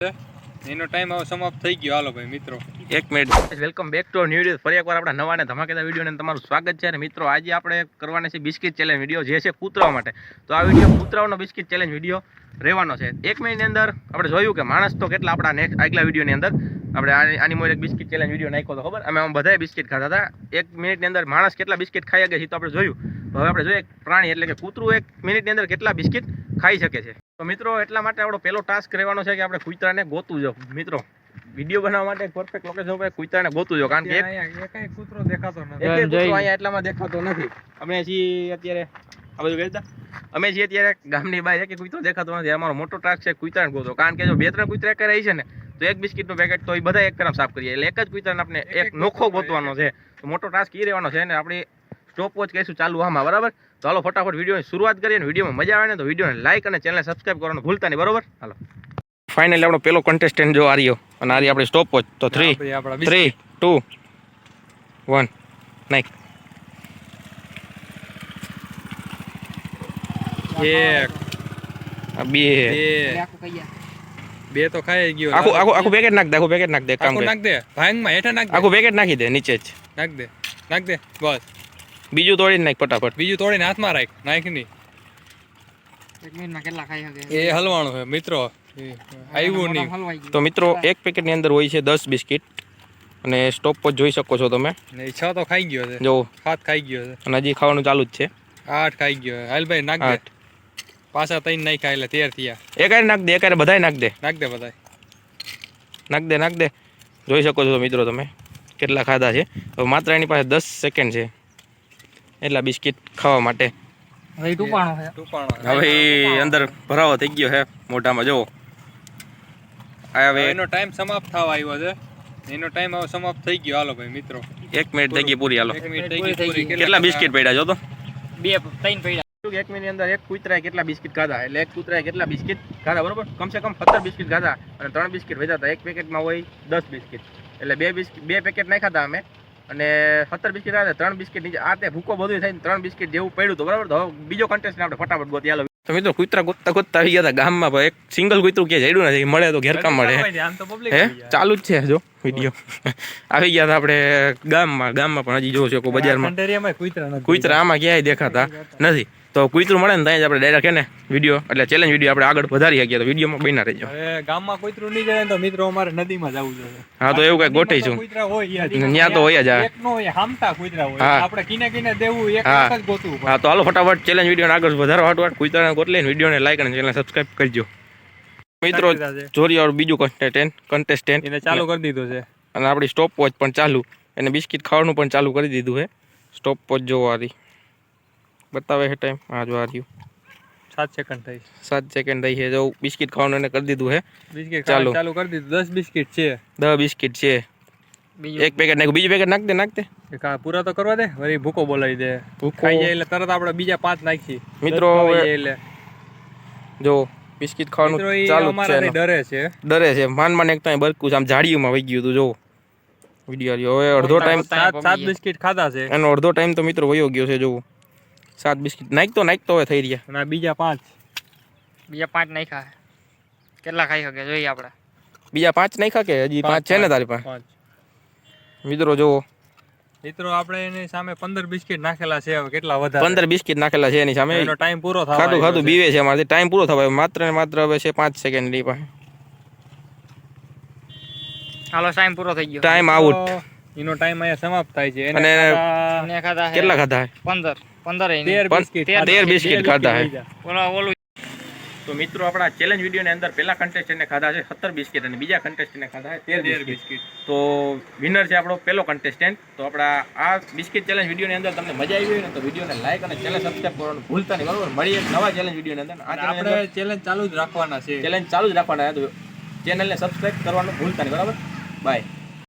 એનો ટાઈમ હવે સમાપ્ત થઈ ગયો. હાલો ભાઈ મિત્રો, 1 મિનિટ. Welcome back to new video. ફરી એકવાર આપણા નવા અને ધમાકેદાર વિડીયોને તમારું સ્વાગત છે. અને મિત્રો આજે આપણે કરવાના છે બિસ્કિટ ચેલેન્જ વિડીયો, જે છે કૂતરાઓ માટે. તો આ વિડીયો કૂતરાઓનો બિસ્કિટ ચેલેન્જ વિડીયો રહેવાનો છે. 1 મિનિટની અંદર આપણે જોયું કે માણસ તો કેટલા આપણા આગલા વિડીયોની અંદર આપણે આની મોર એક બિસ્કિટ ચેલેન્જ વિડીયો નાખ્યો તો ખબર, અમે બધાએ બિસ્કિટ ખાતા હતા. 1 મિનિટની અંદર માણસ કેટલા બિસ્કિટ ખાઈ શકે છે તો આપણે જોયું. હવે આપણે જોઈએ પ્રાણી એટલે કે કૂતરું 1 મિનિટની અંદર કેટલા બિસ્કિટ ખાઈ શકે છે. તો મિત્રો એટલા માટે આપણો પહેલો ટાસ્ક રહેવાનો છે કે આપણે કૂતરાને ગોતવું જો. મિત્રો વિડીયો બનાવવા માટે પરફેક્ટ લોકેશન પર કૂતરાને ગોતવું જો, કારણ કે એક કૂતરો દેખાતો નથી. એક કૂતરો અહીંયા એટલામાં દેખાતો નથી. અમે છીએ અત્યારે આ બધું કહેતા અમે છીએ અત્યારે ગામની બહાર, એક કૂતરો દેખાતો નથી. અમારો મોટો ટાસ્ક છે કૂતરાને ગોતો, કારણ કે જો 2-3 કૂતરા એક રહી છે ને તો એક બિસ્કિટનું પેકેટ તો એ બધા એક તરફ સાફ કરીએ, એટલે એક જ કૂતરાને આપણે એક નોખો ગોતવાનો છે. તો મોટો ટાસ્ક એ રહેવાનો છે ને આપણી સ્ટોપ વોચ કહીશું ચાલુ આમાં, બરાબર? તો હાલો ફટાફટ વિડીયોની શરૂઆત કરીએ. અને વિડીયોમાં મજા આવે ને તો વિડીયોને લાઈક અને ચેનલને સબસ્ક્રાઈબ કરવાનું ભૂલતા નહીં, બરોબર? હાલો ફાઇનલી આપણો પેલો કન્ટેસ્ટન્ટ જો આર્યો, અને આરી આપણે સ્ટોપ વોચ. તો 3 2 1 નાઈક. એક બે તો ખાઈ ગયો. આખું પેકેટ નાખ દે, આખું પેકેટ નાખ દે. કામ કર, નાખ દે ભાંગમાં હેઠા નાખ દે. આખું પેકેટ નાખી દે નીચે જ. નાખ દે બસ. બીજું તોડીને નાખ ફટાફટ. બીજું તોડીને હાથમાં રાખ. નાખ ની 1 મિનિટમાં કેટલા ખાઈ શકે? એ હલવાનું છે મિત્રો, આવ્યું નહીં. તો મિત્રો એક પેકેટની અંદર હોય છે 10 બિસ્કિટ, અને સ્ટોપ પર જોઈ શકો છો તમે. 6 તો ખાઈ ગયો છે, જો 7 ખાઈ ગયો છે, અને હજી ખાવાનું ચાલુ જ છે. 8 ખાઈ ગયો. હાલ ભાઈ નાખ દે. પાછા 3 નહીં ખાય એટલે 13 થયા. એકારે નાખ દે, એકારે બધાય નાખ દે. નાખ દે બધાય. નાખ દે. જોઈ શકો છો મિત્રો તમે કેટલા ખાધા છે. હવે માત્ર એની પાસે 10 સેકન્ડ છે એટલા બિસ્કિટ ખાવા માટે. હવે ટૂંપાણો હવે અંદર ભરાવો થઈ ગયો છે મોઢામાં. જો હવે એનો ટાઈમ સમાપ્ત થવા આવ્યો છે. એનો ટાઈમ હવે સમાપ્ત થઈ ગયો. હાલો ભાઈ મિત્રો, 1 મિનિટ થઈ ગઈ પૂરી. હાલો 1 મિનિટ થઈ ગઈ પૂરી. કેટલા બિસ્કિટ પડ્યા જો તો? 2-3 પડ્યા. 1 મિનિટની અંદર એક કૂતરાએ કેટલા બિસ્કિટ ખાધા, એટલે એક કૂતરાએ કેટલા બિસ્કિટ ખાધા, બરોબર? કમસે કમ 17 બિસ્કિટ ખાધા, અને 3 બિસ્કિટ વેચા હતા. એક પેકેટમાં હોય 10 બિસ્કિટ, એટલે 2 પેકેટ નહીં ખાધા અમે, અને 17 બિસ્કિટ ખાધા. 3 બિસ્કિટ નીચે આ તે ભૂકો બધું થઈને 3 બિસ્કિટ જેવું પડ્યું હતું, બરાબર? તો હવે બીજો કન્ટેસ્ટ આપણે ફટાફટ ગોતી. હાલો તો મિત્રો કૂતરા ગોતતા આવી ગયા હતા ગામમાં, પણ એક સિંગલ કૂતરું ક્યાં જડ્યું નથી. મળે તો ઘેરકામ મળે. હે ચાલુ જ છે જો વિડીયો. આવી ગયા હતા આપણે ગામમાં પણ હજી જોવો છો બજારમાં કૂતરા આમાં ક્યાંય દેખાતા નથી. તો કૂતરું મળે ને ત્યાં જ આપણે ડાયરેક્ટ એને વિડીયો એટલે ચેલેન્જ વિડીયો આપણે આગળ વધારી શકીએ. તો વિડીયોમાં બન્યા રહેજો. હવે ગામમાં કૂતરું નહીં જાય તો મિત્રો અમારે નદીમાં જવું જોઈએ. હા તો એવું કઈ ગોઠવીશું. કૂતરા હોય ત્યાં તો હોય જ. એક નો હોય, હામટા કૂતરા હોય. આપણે કિને દેવું એક જ ગોતવું. હા તો હાલો ફટાફટ ચેલેન્જ વિડીયો આગળ વધારો હાટવાટ કૂતરાને ગોતલીને વિડીયોને લાઈક અને ચેનલ સબસ્ક્રાઇબ કરજો. મિત્રો જોરી બીજું કન્ટેસ્ટન્ટ એને ચાલુ કરી દીધું છે, અને આપણી સ્ટોપ વોચ પણ ચાલુ. એને બિસ્કિટ ખાવાનું પણ ચાલુ કરી દીધું છે. સ્ટોપ વોચ જોવા રહી બતાવે છે ટાઈમ. હા જો આ રહ્યું 7 સેકન્ડ થઈ. 7 સેકન્ડ થઈ છે. જો બિસ્કિટ ખાવાનું એને કરી દીધું છે. બિસ્કિટ ચાલુ કરી દીધું. 10 બિસ્કિટ છે. 10 બિસ્કિટ છે. એક પેકેટ નાખ, બીજું પેકેટ નાખ દે. પૂરા તો કરવા દે, વળી ભૂકો બોલાવી દે. ખાઈ જાય એટલે તરત આપણે બીજા 5 નાખી મિત્રો. એટલે જો બિસ્કિટ ખાવાનું ચાલુ છે. ડરે છે. માન એક તો બરકું આમ જાડીઓમાં વહી ગયું હતું. જો વિડીયો હવે અડધો ટાઈમ 7 બિસ્કિટ ખાધા છે. એનો અડધો ટાઈમ તો મિત્રો વયો ગયો છે. જોવું 7 બિસ્કિટ નાખતો હવે થઈ રહ્યા. અને બીજા 5 નાખ્યા. કેટલા ખાઈ શકે જોઈએ આપણે? બીજા 5 નાખ્યા કે હજી 5 છે ને તારી પાસે? મિત્રો જો મિત્રો આપણે એની સામે 15 બિસ્કિટ નાખેલા છે. હવે કેટલા વધારે? 15 બિસ્કિટ નાખેલા છે એની સામે. એનો ટાઈમ પૂરો થવા ખાધું બીવે છે અમારે. ટાઈમ પૂરો થવા માત્ર ને માત્ર હવે છે 5 સેકન્ડ ની પાસે. હાલો ટાઈમ પૂરો થઈ ગયો. Time out. એનો ટાઈમ અહીંયા સમાપ્ત થાય છે. એને ખાધા કેટલા ખાધા? 13 બિસ્કિટ ખાધા છે. ઓલું તો મિત્રો આપણા ચેલેન્જ વિડીયોની અંદર પહેલા કન્ટેસ્ટન્ટને ખાધા છે 17 બિસ્કિટ, અને બીજા કન્ટેસ્ટન્ટને ખાધા છે 13 બિસ્કિટ. તો વિનર છે આપણો પહેલો કન્ટેસ્ટન્ટ. તો આપણા આ બિસ્કિટ ચેલેન્જ વિડીયોની અંદર તમને મજા આવી હોય ને તો વિડીયોને લાઈક અને ચેનલ સબસ્ક્રાઇબ કરવાનું ભૂલતા નહીં, બરોબર? મળીએ એક નવા ચેલેન્જ વિડીયોની અંદર. આપણે ચેલેન્જ ચાલુ જ રાખવાના છે. ચેલેન્જ ચાલુ જ રાખવાના છે. તો ચેનલને સબસ્ક્રાઇબ કરવાનું ભૂલતા નહીં, બરાબર? બાય.